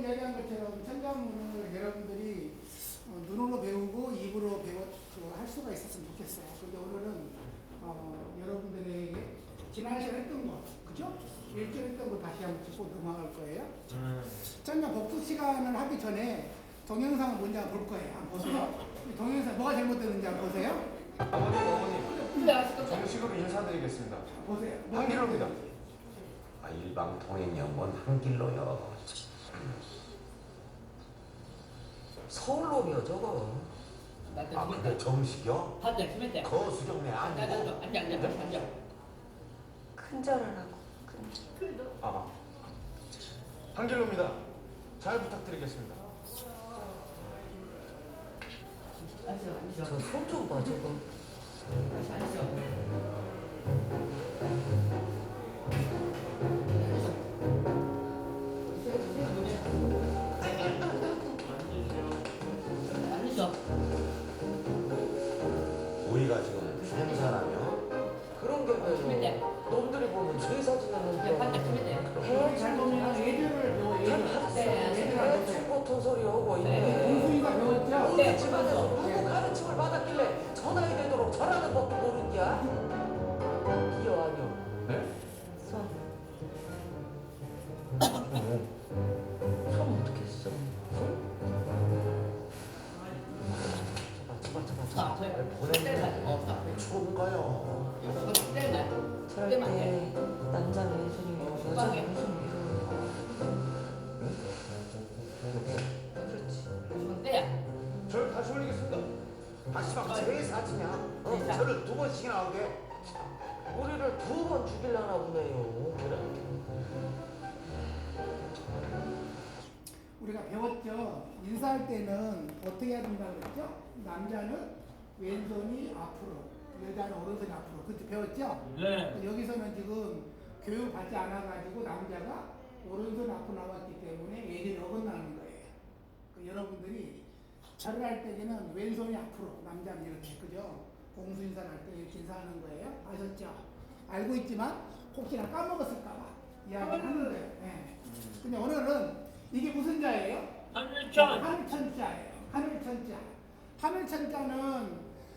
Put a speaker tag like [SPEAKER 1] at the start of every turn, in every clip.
[SPEAKER 1] 이야기한 것처럼 천자문을 여러분들이 눈으로 배우고 입으로 할 수가 있었으면 좋겠어요. 근데 오늘은 여러분들에게 지난 시간에 했던 거, 그죠? 일주일 했던 거 다시 한번 짚고 넘어갈 거예요. 천자 복수 시간을 하기 전에 동영상을 먼저 한번 볼 거예요. 한번 보세요. 동영상 뭐가 잘못됐는지 한번 보세요.
[SPEAKER 2] 어머니, 정식으로 인사드리겠습니다.
[SPEAKER 1] 보세요.
[SPEAKER 2] 한길로입니다.
[SPEAKER 3] 일방통행영원 한길로요.
[SPEAKER 4] 서울놈이요 저거.
[SPEAKER 3] 그게 정식이요?
[SPEAKER 5] 앉아.
[SPEAKER 3] 거수경내 아니고?
[SPEAKER 4] 큰절을 하고.
[SPEAKER 2] 한길로입니다. 잘 부탁드리겠습니다.
[SPEAKER 4] 저 손 좀 봐 저거.
[SPEAKER 3] 우리가 지금 행사라며?
[SPEAKER 4] 그런 게 왜요? 놈들이 보면 저희 사진은
[SPEAKER 1] 잘 보면 예절을
[SPEAKER 4] 대충 같은 소리 하고 있네.
[SPEAKER 1] 공수이가 배웠죠?
[SPEAKER 4] 우리 집안에서 누구 가르침을 받았길래 저 나이 되도록 잘하는 법도 모르냐? 이요 아니요.
[SPEAKER 2] 네?
[SPEAKER 4] 손. 손 어떻게 써? 손?
[SPEAKER 3] 보내면 좋은가요?
[SPEAKER 4] 저럴 때 남자 왼손이고 여자 왼손이고. 그렇지.
[SPEAKER 2] 저를 다시 올리겠습니다.
[SPEAKER 3] 다시 막 제 사진이야? 저를 2번씩이나 하게?
[SPEAKER 4] 우리를 2번 죽이려나 보네요.
[SPEAKER 1] 우리가 배웠죠. 인사할 때는 어떻게 해야 된다고 그랬죠? 남자는 왼손이 앞으로, 여자는 오른손이 앞으로. 그때 배웠죠?
[SPEAKER 5] 네.
[SPEAKER 1] 여기서는 지금 교육 받지 않아가지고 남자가 오른손 앞으로 나왔기 때문에 예절이 어긋나는 거예요. 여러분들이 절을 할 때는 왼손이 앞으로, 남자는 이렇게, 그죠? 공수 인사를 할 때 이렇게 인사하는 거예요. 아셨죠? 알고 있지만 혹시나 까먹었을까봐 이야기를 하는 거예요. 네. 근데 오늘은 이게 무슨 자예요?
[SPEAKER 5] 하늘천.
[SPEAKER 1] 하늘천자예요. 하늘천자. 하늘천자는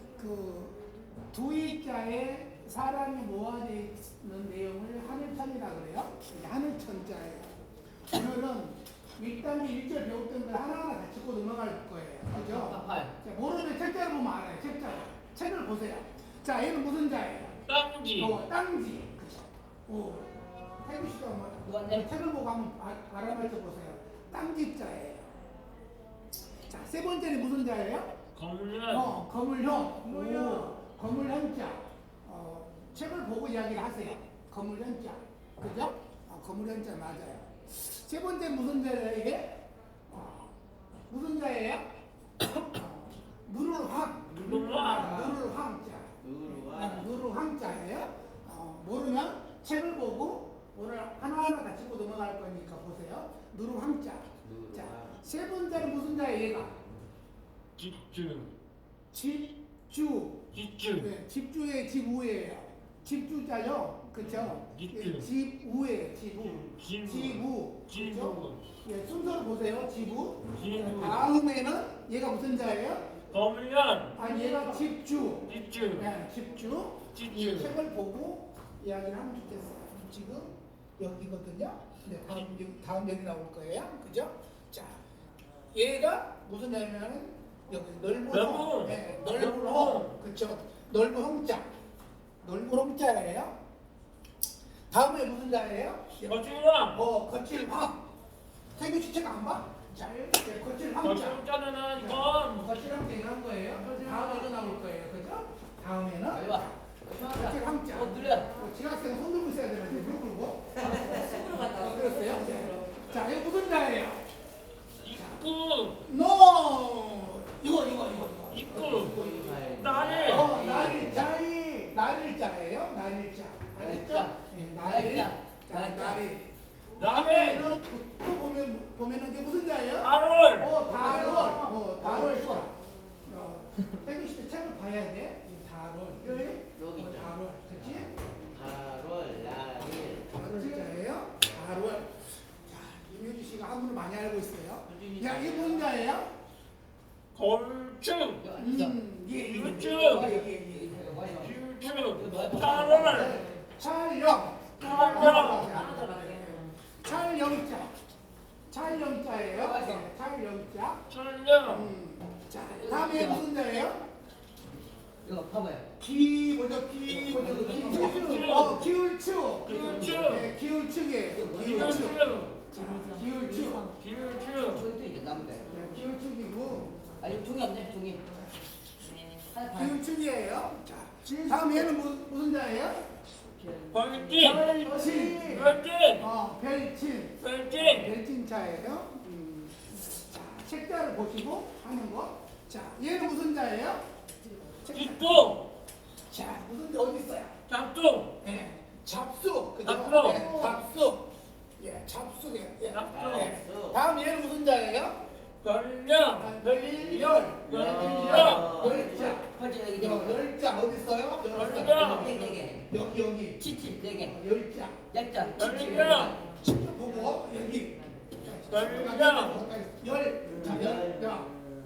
[SPEAKER 1] 두 이자에 사람이 모아져 있는 내용을 하늘천이라고 그래요. 이게 하늘천자예요. 오늘은 1단계 1절 배웠던 걸 하나하나 다 짚고 넘어갈 거예요. 그죠? 자, 모르면 책자를 보면 알아요. 책자를. 책을 보세요. 자, 얘는 무슨 자예요?
[SPEAKER 5] 땅지.
[SPEAKER 1] 땅지. 그죠? 태구 씨가 한번 책을 보고 한번 알아맞혀 보세요. 땅지자예요. 자, 세 번째는 무슨 자예요?
[SPEAKER 5] 검은.
[SPEAKER 1] 거물형. 거물형자. 책을 보고 이야기를 하세요. 거물형자. 그죠? 거물형자 맞아요. 세 번째 무슨 자예요, 이게? 무슨 자예요? 누르황자예요. 모르면 책을 보고 오늘 하나하나 다 짚고 넘어갈 거니까 보세요. 누르황자. 자, 세 번째는 무슨 자예요, 얘가?
[SPEAKER 5] 집주.
[SPEAKER 1] 집주. 네, 집주의 집우예요. 집주자요. 그쵸? 집우예요. 집우. 그쵸? 예, 순서를 보세요. 집우. 다음에는 얘가 무슨 자예요?
[SPEAKER 5] 검은.
[SPEAKER 1] 얘가 집주.
[SPEAKER 5] 집주.
[SPEAKER 1] 네, 집주. 이 책을 보고 이야기를 하면 좋겠어요. 지금 여기거든요. 네, 다음 여기 나올 거예요. 그죠? 자, 얘가 무슨 자냐면 여기 넓은 네, 넓은 홍. 그쵸? 넓은 홍자. 넓은 홍자예요. 다음에 무슨 자예요?
[SPEAKER 5] 거칠왕.
[SPEAKER 1] 거칠황. 태규 씨 책 안 봐? 자, 이렇게 거칠황자.
[SPEAKER 5] 거칠왕자는 검.
[SPEAKER 1] 거칠황자 이런 거예요. 다음에 나올 거예요. 그죠? 다음에는 거칠황자. 지각생 손 들고 있어야 되는데 무릎 꿇고. 손으로 갔다. 그랬어요? 자, 이거 무슨 자예요?
[SPEAKER 5] 입구.
[SPEAKER 1] 이거.
[SPEAKER 5] 입구. 나를.
[SPEAKER 1] 날일자예요. 날일자. 알겠죠? 날일.
[SPEAKER 5] 남의.
[SPEAKER 1] 또 보면은 이게 무슨 자예요?
[SPEAKER 5] 달월.
[SPEAKER 1] 달월. 태규 씨도 책을 봐야 돼. 달월. 여기 달월. 그치? 달월, 날일. 달월자예요. 달월. 자, 임효주 씨가 씨가 한문을 많이 알고 있어요. 야, 이게 무슨 자예요?
[SPEAKER 5] 건축,
[SPEAKER 1] 예.
[SPEAKER 5] 유축,
[SPEAKER 1] 예.
[SPEAKER 5] 유축, 촬영,
[SPEAKER 1] 촬영. 촬영자. 촬영자예요. 네, 촬영자.
[SPEAKER 5] 촬영,
[SPEAKER 1] 자, 다음에 무슨 자예요?
[SPEAKER 4] 이거 봐봐요.
[SPEAKER 1] 기울축. 기울축. 네, 기울축이에요. 기울축. 자, 기울축.
[SPEAKER 5] 기울축,
[SPEAKER 4] 저기도 이제 나무대.
[SPEAKER 1] 네, 기울축이고
[SPEAKER 4] 아 이거 종이 없네 종이. 하나 봐.
[SPEAKER 1] 기울축이에요. 자, 다음 얘는 무슨 자예요?
[SPEAKER 5] 벌진,
[SPEAKER 1] 별진.
[SPEAKER 5] 벌진,
[SPEAKER 1] 별진.
[SPEAKER 5] 벌진,
[SPEAKER 1] 별진자예요. 자, 책자를 보시고 하는 거. 자, 얘는 무슨 자예요?
[SPEAKER 5] 뒷동,
[SPEAKER 1] 자, 무슨 자 어디 있어요?
[SPEAKER 5] 잡동,
[SPEAKER 1] 네, 잡수. 그죠?
[SPEAKER 5] 잡수.
[SPEAKER 1] 네, 잡수. 예, 잡수예요. 예.
[SPEAKER 5] 잡수.
[SPEAKER 1] 네. 다음 얘는 무슨 자예요?
[SPEAKER 5] 별령,
[SPEAKER 1] 별열. 열자.
[SPEAKER 4] 퍼지 여기
[SPEAKER 1] 열자 어디 있어요?
[SPEAKER 5] 별령,
[SPEAKER 4] 네개
[SPEAKER 1] 여기.
[SPEAKER 4] 치치 네개
[SPEAKER 1] 열자.
[SPEAKER 4] 약자 치치
[SPEAKER 5] 별령,
[SPEAKER 1] 직접 보고 여기.
[SPEAKER 5] 별령,
[SPEAKER 1] 열. 자, 열.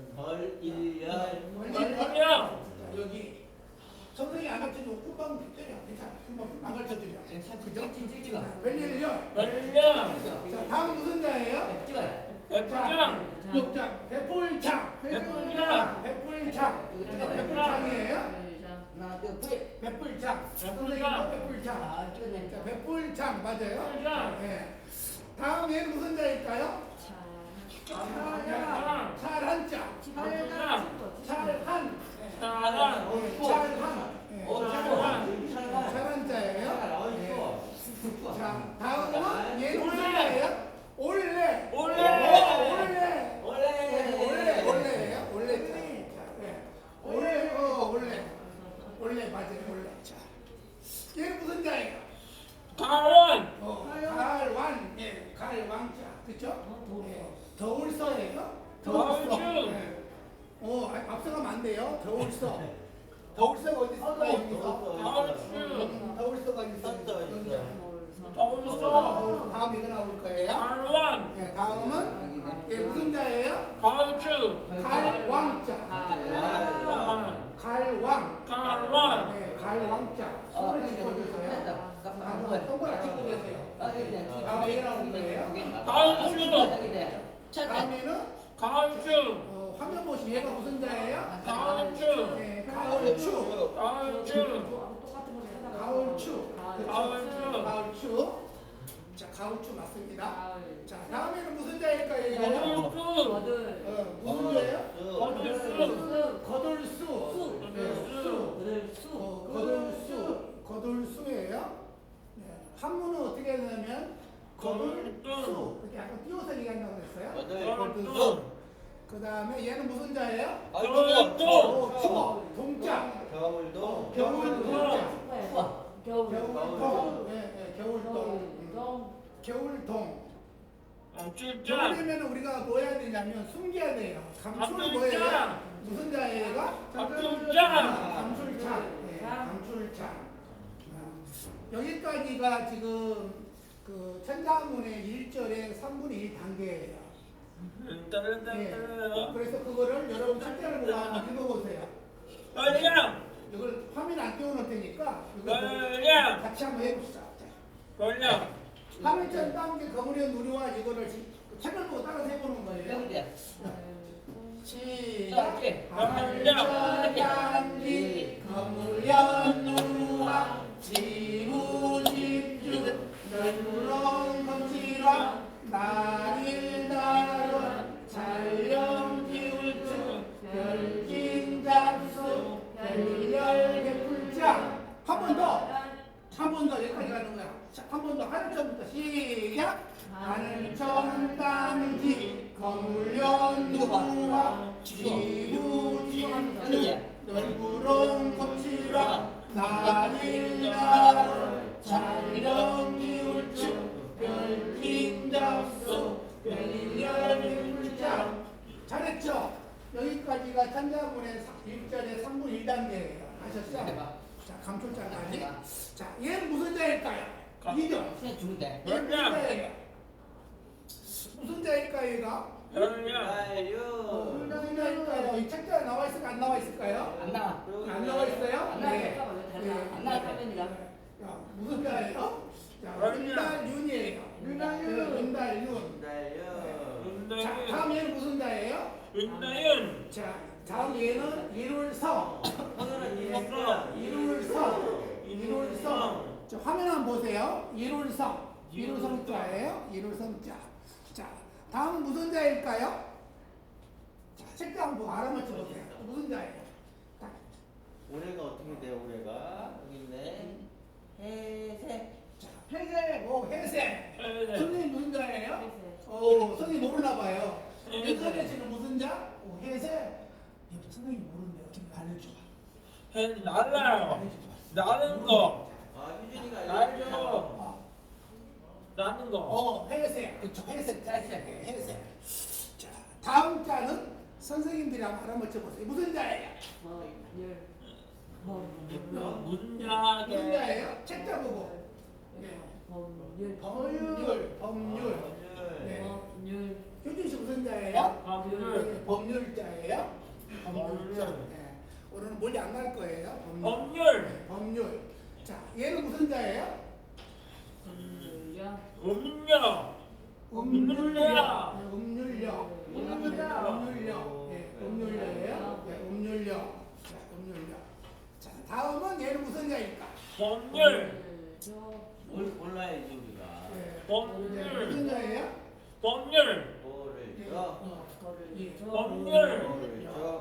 [SPEAKER 5] 별령,
[SPEAKER 1] 여기. 선생님이 안 가르쳐주고 금방 듣잖아요. 괜찮아. 금방 안 가르쳐드려. 그죠?
[SPEAKER 4] 찍어.
[SPEAKER 1] 별열.
[SPEAKER 5] 별령,
[SPEAKER 1] 자, 다음 무슨 자예요?
[SPEAKER 4] 찍어요.
[SPEAKER 5] 백장,
[SPEAKER 1] 육장. 배불창.
[SPEAKER 5] 배불창.
[SPEAKER 1] 배불창. 배불창이에요?
[SPEAKER 4] 하나 둘 셋.
[SPEAKER 1] 배불창. 선생님 배불창.
[SPEAKER 4] 아 찍었네.
[SPEAKER 1] 자, 배불창 맞아요?
[SPEAKER 5] 배불창.
[SPEAKER 1] 네. 다음 얘는 무슨 자일까요?
[SPEAKER 5] 백장,
[SPEAKER 1] 찰한자.
[SPEAKER 5] 백장,
[SPEAKER 1] 찰한.
[SPEAKER 5] 사랑,
[SPEAKER 1] 찰한.
[SPEAKER 5] 사랑,
[SPEAKER 1] 찰한자예요? 네. 자, 다음은 얘는 무슨 자예요? 올레.
[SPEAKER 5] 올레,
[SPEAKER 1] 올레예요. 올레. 올레. 올레 맞아요. 올레. 자, 얘는 무슨 자예요?
[SPEAKER 5] 가원,
[SPEAKER 1] 갈완. 예, 갈왕자. 그렇죠? 예. 더울서예요.
[SPEAKER 5] 더울수.
[SPEAKER 1] 예. 앞서가면 안 돼요. 더울서. 더울서가 어디 있을까요? 여기서.
[SPEAKER 5] 더울수,
[SPEAKER 1] 더울서가 어디 있어요?
[SPEAKER 5] 더울수,
[SPEAKER 1] 다음 이거 나올 거예요.
[SPEAKER 5] 갈원,
[SPEAKER 1] 예, 다음은 예, 무슨 자예요?
[SPEAKER 5] 가우추,
[SPEAKER 1] 갈왕자. 갈왕.
[SPEAKER 5] 갈원,
[SPEAKER 1] 네, 갈왕자. 손을 짚어주세요. 손가락 짚고 계세요. 다음 이거 나올 거예요.
[SPEAKER 5] 가우추,
[SPEAKER 1] 다음에는
[SPEAKER 5] 가우추,
[SPEAKER 1] 화면 보시면 얘가 무슨 자예요?
[SPEAKER 5] 가우추,
[SPEAKER 1] 네, 가을추.
[SPEAKER 5] 가우추,
[SPEAKER 1] 가을추.
[SPEAKER 5] 가을추.
[SPEAKER 1] 가을추. 자, 가을추 맞습니다. 자, 다음에는 무슨 자일까요? 이거?
[SPEAKER 5] 거둘수,
[SPEAKER 1] 무슨 자예요?
[SPEAKER 5] 거둘수,
[SPEAKER 1] 거들수. 네, 수. 거들수예요. 네, 한문은 어떻게 하냐면 거들수. 이렇게 약간 띄워서 얘기한다고 그랬어요.
[SPEAKER 5] 거둘수,
[SPEAKER 1] 그 다음에 얘는 무슨 자예요?
[SPEAKER 5] 거둘수,
[SPEAKER 1] 추워. 동자.
[SPEAKER 3] 겨울도
[SPEAKER 1] 겨울동자. 겨울동. 네, 겨울동. 겨울동.
[SPEAKER 5] 칠장,
[SPEAKER 1] 겨울이면 우리가 뭐 해야 되냐면 숨겨야 돼요. 감출 뭐예요?
[SPEAKER 5] 감출장.
[SPEAKER 1] 무슨 자예가?
[SPEAKER 5] 감출장.
[SPEAKER 1] 감출창. 네, 감출창. 여기까지가 지금 그 천자문의 1절의 3분의 1 단계예요. 네. 그래서 그거를 여러분 책자를 보고 한번 읽어보세요.
[SPEAKER 5] 걸령,
[SPEAKER 1] 이걸 화면 안 띄워놓을 테니까 이거
[SPEAKER 5] 걸령,
[SPEAKER 1] 같이 한번 해봅시다. 자,
[SPEAKER 5] 걸령,
[SPEAKER 1] 화면처럼 따온 거물의 누리와 이거를 책을 보고 따라서 해보는 거예요. 시작. 하늘천단지 거물연 누리와 지구집주 널브런 검지와 날일다론 잘령 기울주 별진 잡수 별열 개풀자. 한 번 더 여기까지 가는 거야. 한 번 더 하늘천부터 시작. 하늘천단지 거물연 누리와 지구집주 널브런 검지와 날일다론 잘령 기울주 별진 잡수 별열 개풀자. 잘했죠? 여기까지가 천자문의 1절의 3분 1단계예요. 아셨죠? 자, 감출자까지. 자, 얘는 무슨 자일까요? 2절.
[SPEAKER 4] 죽은데.
[SPEAKER 1] 얘는 무슨 자예요? 무슨 자일까요, 얘가?
[SPEAKER 5] 별령.
[SPEAKER 1] 무슨 자일까요? 이 책자에 나와 있을까 안 나와 있을까요?
[SPEAKER 4] 안 나와.
[SPEAKER 1] 안 나와 있어요?
[SPEAKER 4] 안 나와.
[SPEAKER 1] 네.
[SPEAKER 4] 안 나와. 화면이라.
[SPEAKER 1] 자, 무슨 자예요? 자, 윤달윤이에요. 윤달윤. 자, 다음 얘는 무슨 자예요?
[SPEAKER 5] 윤다윤.
[SPEAKER 1] 자, 다음 얘는 일월성. 일월성. 자, 화면 한번 보세요. 일월성 자예요. 일월성 자. 자, 다음은 무슨 자일까요? 자, 책자 한번 알아맞혀 보세요. 무슨 자예요? 자,
[SPEAKER 3] 올해가 어떻게 돼요? 올해가 여기 있네. 해세.
[SPEAKER 1] 자, 회색, 회색.
[SPEAKER 5] 회색.
[SPEAKER 1] 선생님 무슨 자예요? 선생님 모르나 봐요. 윤선혜 씨는 무슨 자? 회색. 선생님 모른대요. 좀 알려줘.
[SPEAKER 5] 날라요. 나는 거.
[SPEAKER 3] 아 유진이가
[SPEAKER 5] 날려. 나는 거.
[SPEAKER 1] 회색. 그쵸, 회색 자예요. 회색. 자, 다음 자는 선생님들이 한번 알아맞혀 보세요. 무슨 자예요?
[SPEAKER 5] 무슨
[SPEAKER 1] 무슨
[SPEAKER 5] 자게?
[SPEAKER 1] 자예요? 책자 보고. 네. 법률. 네. 효준 씨 무슨 자예요?
[SPEAKER 5] 법률.
[SPEAKER 1] 법률자예요? 법률자. 네. 오늘은 멀리 안 갈 거예요.
[SPEAKER 5] 법률.
[SPEAKER 1] 네, 법률. 자, 얘는 무슨 자예요?
[SPEAKER 5] 음료.
[SPEAKER 1] 음률력. 음률력이에요. 네, 음률력. 자, 음률력. 자, 다음은 얘는 무슨 자일까?
[SPEAKER 5] 법률.
[SPEAKER 3] 몰라야지 우리가.
[SPEAKER 1] 네.
[SPEAKER 5] 법률.
[SPEAKER 1] 무슨 자예요?
[SPEAKER 5] 법률.
[SPEAKER 3] 뭐를 줘?
[SPEAKER 5] 법률.
[SPEAKER 3] 뭐를 줘?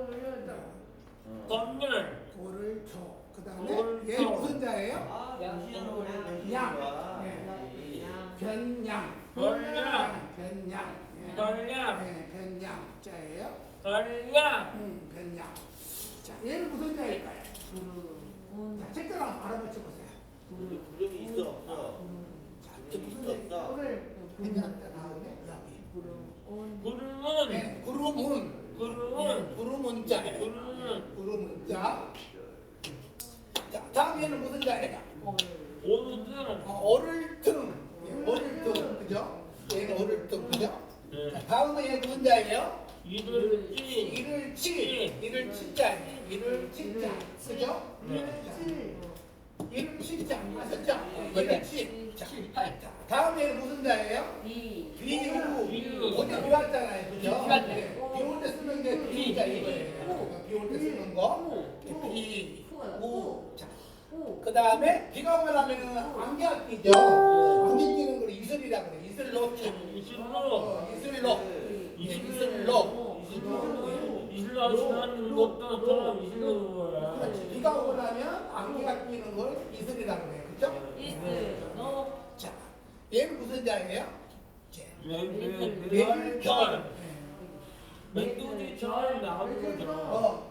[SPEAKER 5] 법률.
[SPEAKER 1] 돌을 줘. 그 다음에
[SPEAKER 5] 돌
[SPEAKER 1] 얘는
[SPEAKER 5] 줘.
[SPEAKER 1] 무슨 자예요?
[SPEAKER 3] 아 당신은 올해
[SPEAKER 1] 양.
[SPEAKER 3] 당신이가.
[SPEAKER 1] 네. 변양.
[SPEAKER 5] 변양.
[SPEAKER 1] 변양. 네.
[SPEAKER 5] 변양.
[SPEAKER 1] 네, 변양 자예요.
[SPEAKER 5] 변양.
[SPEAKER 1] 변양. 자, 얘는 무슨 자일까요? 자, 책자를 한번 알아맞혀 보세요.
[SPEAKER 3] 구름이 있어 없어?
[SPEAKER 1] 자, 이게 무슨 자일까? 변양 자 다음에 여기.
[SPEAKER 5] 구름은.
[SPEAKER 1] 네, 구름은.
[SPEAKER 5] 구름은.
[SPEAKER 1] 구름은 자예요. 구름은 자. 자, 다음 얘는 무슨 자예요?
[SPEAKER 5] 오등.
[SPEAKER 1] 어를등. 어를등. 그죠? 얘는 어를등. 그죠?
[SPEAKER 5] 네.
[SPEAKER 1] 자, 다음은 얘 무슨 자예요?
[SPEAKER 5] 이들지.
[SPEAKER 1] 이를 치자예요. 이를 치자. 그죠? 이를 치자. 아셨죠? 이를 치. 자, 다음에 무슨 자예요? 비유. 어제 비왔잖아요. 그죠? 비올 때 쓰는 게 비자 이거예요. 비올 때 쓰는 거. 비. 우. 자. 그 다음에 비가 오면 하면은 안개 끼죠. 안개 끼는 걸 이슬이라고 그래. 이슬로.
[SPEAKER 5] 이슬로.
[SPEAKER 1] 이슬로. 이슬로.
[SPEAKER 5] 이슬로 지나는 것도 또 이슬로 거야.
[SPEAKER 1] 그렇지. 비가 오고 나면 안개가 끼는 걸 이슬이라고 해요. 그죠? 자, 얘는 무슨 자예요?
[SPEAKER 5] 매일절. 맥두지절 나오는 거죠.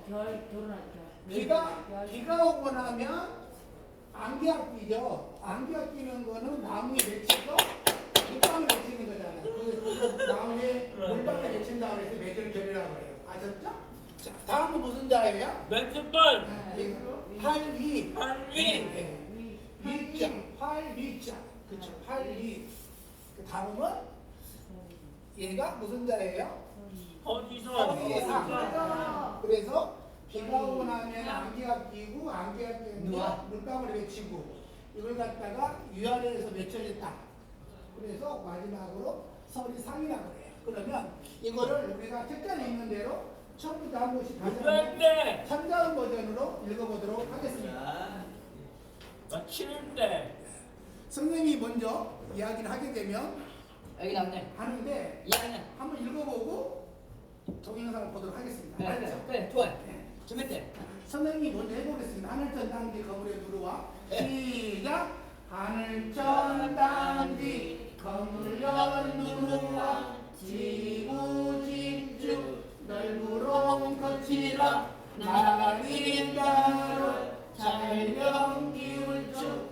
[SPEAKER 1] 비가 오고 나면 안개가 끼죠. 안개가 끼는 거는 나무에 맺히고 물방울 맺히는 거잖아요. 그 나무에 물방울 맺힌 다음에 매절절이라고 해요. 아셨죠? 자, 다음은 무슨 자예요?
[SPEAKER 5] 맥주벌.
[SPEAKER 1] 활위.
[SPEAKER 5] 활위.
[SPEAKER 1] 위자. 활위자. 그쵸. 활위. 그 다음은 얘가 무슨 자예요?
[SPEAKER 5] 어디서?
[SPEAKER 1] 그래서 비가 오고 나면 안개가 끼고 안개가 끼면 물방울이 맺히고 이걸 갖다가 위아래에서 맺혀졌다. 그래서 마지막으로 설이상이라고 해요. 그러면 이거를 우리가 책자에 있는 대로 처음부터 한 번씩 다시 한번 참자음 버전으로 읽어보도록 하겠습니다.
[SPEAKER 5] 마치는데.
[SPEAKER 1] 선생님이 먼저 이야기를 하게 되면
[SPEAKER 4] 여기 나오네.
[SPEAKER 1] 하는데
[SPEAKER 4] 이야기는.
[SPEAKER 1] 한번 읽어보고 동영상을 보도록 하겠습니다.
[SPEAKER 4] 네,
[SPEAKER 1] 알죠?
[SPEAKER 4] 네, 좋아요. 준비돼.
[SPEAKER 1] 선생님이 먼저 해보겠습니다. 하늘천 당지 거물에 누르와 시작. 하늘천 당지 거물에 누르와 지구 집중 넓으롱 거치라 나린가로 잘령 기울쭉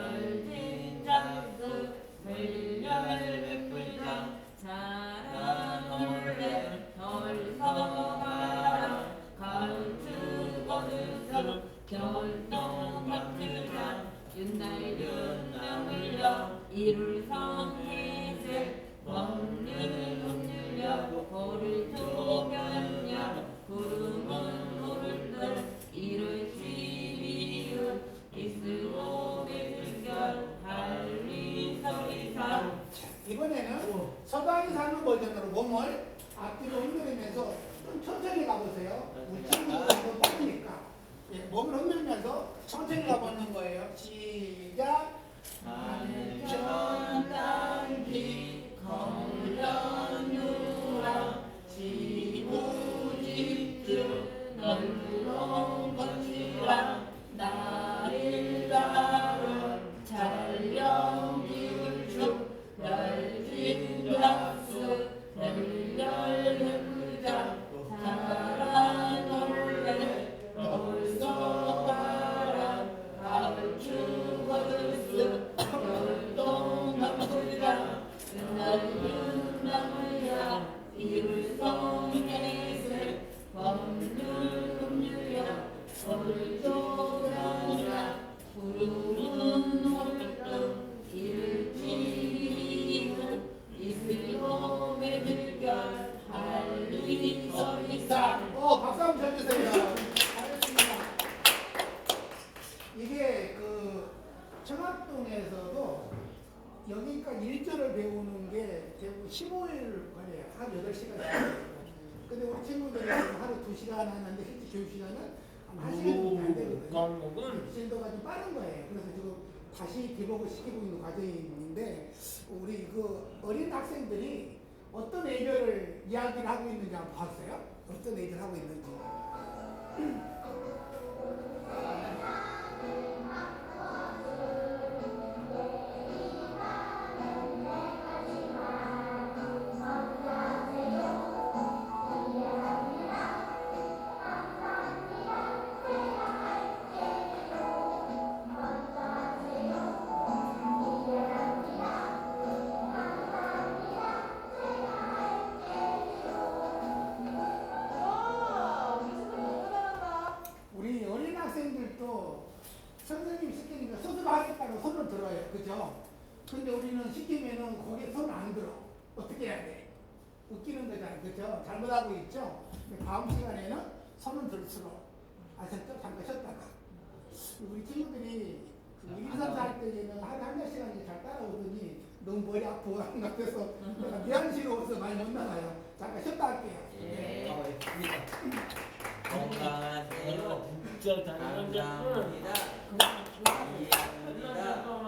[SPEAKER 6] 별진장수 별열백불장 자라놀래 덜서가라 가을뜨거는 별똥박들장 윤날 윤명을려 이룰성해세
[SPEAKER 1] 이번에는 서당이 사는 버전으로 몸을 앞뒤로 흔들면서 좀 천천히 가보세요. 우리 친구들 너무 빠르니까. 예, 몸을 흔들면서 천천히 가보는 거예요. 시작.
[SPEAKER 5] 하늘천 땅빛 걸려누라 지부집주 널롱 건지라 나를 따라 찰령기울주 열진 박수 열렬해보자 살아놀래 올소바라 가을추 거들수 열동나무라 넓은 나무야 이울송해세 법률금류야 올조랑이야 구름은 홀뚝 일지는 이슬홈의 들결 할리 서리사
[SPEAKER 1] 박수 한번 쳐주세요. 잘했습니다. 이게 그 청학동에서도 여기까지 1절을 배우는 게 대부분 15일 걸려요. 한 8시간. 근데 우리 친구들이 하루 2시간 하는데 실제 교육 시간은 한 1시간 정도 안 되거든요.
[SPEAKER 5] 과목은
[SPEAKER 1] 진도가 좀 빠른 거예요. 그래서 지금 다시 기복을 시키고 있는 과정인데 우리 그 어린 학생들이 어떤 애교를 이야기를 하고 있는지 한번 봤어요? 어떤 애교를 하고 있는지. 우리 어린 학생들도 선생님 시키니까 스스로 하겠다고 손을 들어요. 그죠? 근데 우리는 시키면은 거기에 손을 안 들어. 어떻게 해야 돼? 웃기는 거잖아요. 그죠? 잘못하고 있죠? 근데 다음 시간에는 손을 들수록 아셨죠? 잠깐 쉬었다가. 우리 친구들이 그 일선사 할 때는 한 시간이 잘 따라오더니 너무 머리 아프고 한 것 같아서 내가 미안스러워서 많이 못 나가요. 잠깐 쉬었다 할게요.
[SPEAKER 6] 예,
[SPEAKER 1] 네.
[SPEAKER 6] 건강하세요.
[SPEAKER 5] 진짜 다른
[SPEAKER 6] 감사합니다.
[SPEAKER 5] 건
[SPEAKER 6] 이해합니다.